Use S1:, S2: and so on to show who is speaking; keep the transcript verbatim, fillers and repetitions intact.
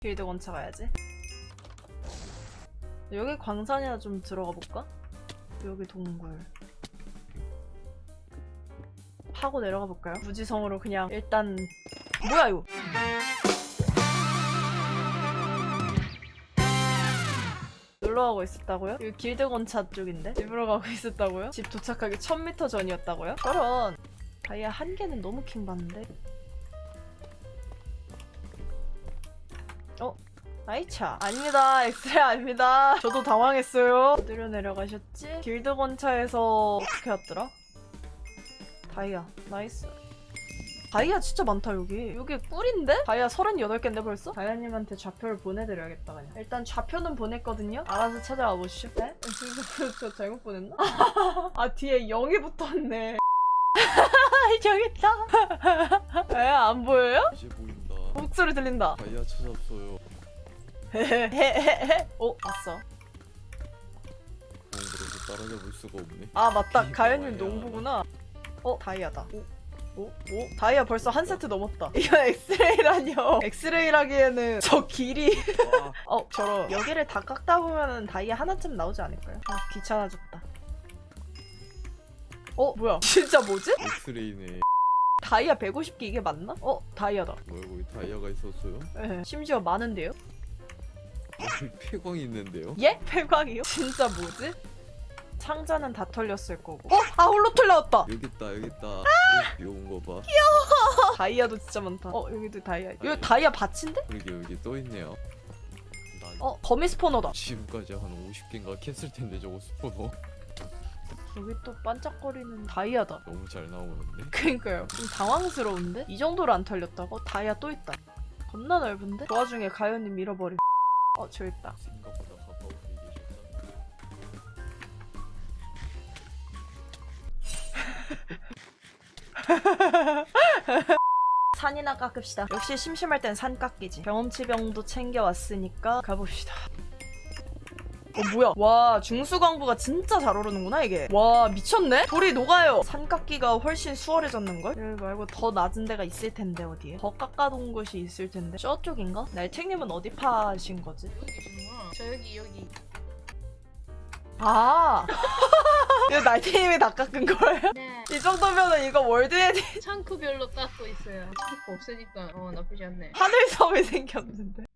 S1: 길드 건차 가야지. 여기 광산이나 좀 들어가 볼까? 여기 동굴 하고 내려가 볼까요? 무지성으로 그냥 일단 뭐야 이거? 놀러 가고 있었다고요? 여기 길드 건차 쪽인데? 집으로 가고 있었다고요? 집 도착하기 천 미터 전이었다고요? 저런 다이아 한 개는 너무 킹 받는데? 어? 아이차 아닙니다. 엑스레이 아닙니다. 저도 당황했어요. 어디로 내려가셨지? 길드 건차에서 어떻게 왔더라? 다이아 나이스. 다이아 진짜 많다 여기. 여기 꿀인데? 다이아 서른여덟 개인데 벌써? 다이아님한테 좌표를 보내드려야겠다 그냥. 일단 좌표는 보냈거든요? 알아서 찾아와 보시죠. 네? 저 잘못 보냈나? 아 뒤에 영이 붙었네. 저기 있다. 에? 안 보여요?
S2: 이제 보인다.
S1: 목소리 들린다.
S2: 다이아 찾았어요.
S1: 헤헤헤헤. 어? 왔어.
S2: 어, 그래서 따라잡을 수가 없네.
S1: 아 맞다.
S2: 이거
S1: 가연님
S2: 뭐야.
S1: 농부구나. 어? 다이아다. 오? 오? 오? 다이아 벌써 한 세트 넘었다. 이거 엑스레이라뇨. 엑스레이라기에는 저 길이
S2: 아,
S1: 어 저런 여기를 다 깎다 보면은 다이아 하나쯤 나오지 않을까요? 아 귀찮아졌다. 어? 뭐야? 진짜 뭐지?
S2: 엑스레이네.
S1: 다이아 백오십 개 이게 맞나? 어? 다이아다.
S2: 뭐야, 거기 다이아가 있었어요?
S1: 네. 심지어 많은데요?
S2: 여기 폐광이 있는데요?
S1: 예? 폐광이요? 진짜 뭐지? 상자는 다 털렸을 거고. 어? 아 홀로 털려왔다.
S2: 여기 있다, 여기 있다. 귀여운 거 봐.
S1: 다이아도 진짜 많다. 어 여기도 다이아. 여기 다이아 밭인데?
S2: 그러게 여기 또 있네요. 난
S1: 어 거미 스포너다.
S2: 지금까지 한 오십 개인가 캤을 텐데 저거 스포너.
S1: 여기 또 반짝거리는 다이아다.
S2: 너무 잘 나오는데?
S1: 그니까요. 좀 당황스러운데? 이 정도로 안 털렸다고? 다이아 또 있다. 겁나 넓은데? 그 와중에 가연님 밀어버림. 어 저 있다.
S2: 생각보다 가까운데 계셨다.
S1: 산이나 깎읍시다. 역시 심심할 땐 산 깎이지. 경험치병도 챙겨왔으니까 가봅시다. 어 뭐야? 와 중수광부가 진짜 잘 오르는구나 이게. 와 미쳤네? 돌이 녹아요. 산 깎기가 훨씬 수월해졌는걸? 여기 말고 더 낮은 데가 있을 텐데 어디에? 더 깎아둔 곳이 있을 텐데 저쪽인가? 날책님은 어디 파신 거지?
S3: 여기구나. 저 여기 여기.
S1: 아 이거 날책님이 다 깎은 거예요?
S3: 네.
S1: 이 정도면은 이거 월드에디
S3: 창크별로 깎고 있어요. 창크 없으니까 어 나쁘지 않네.
S1: 하늘섬이 생겼는데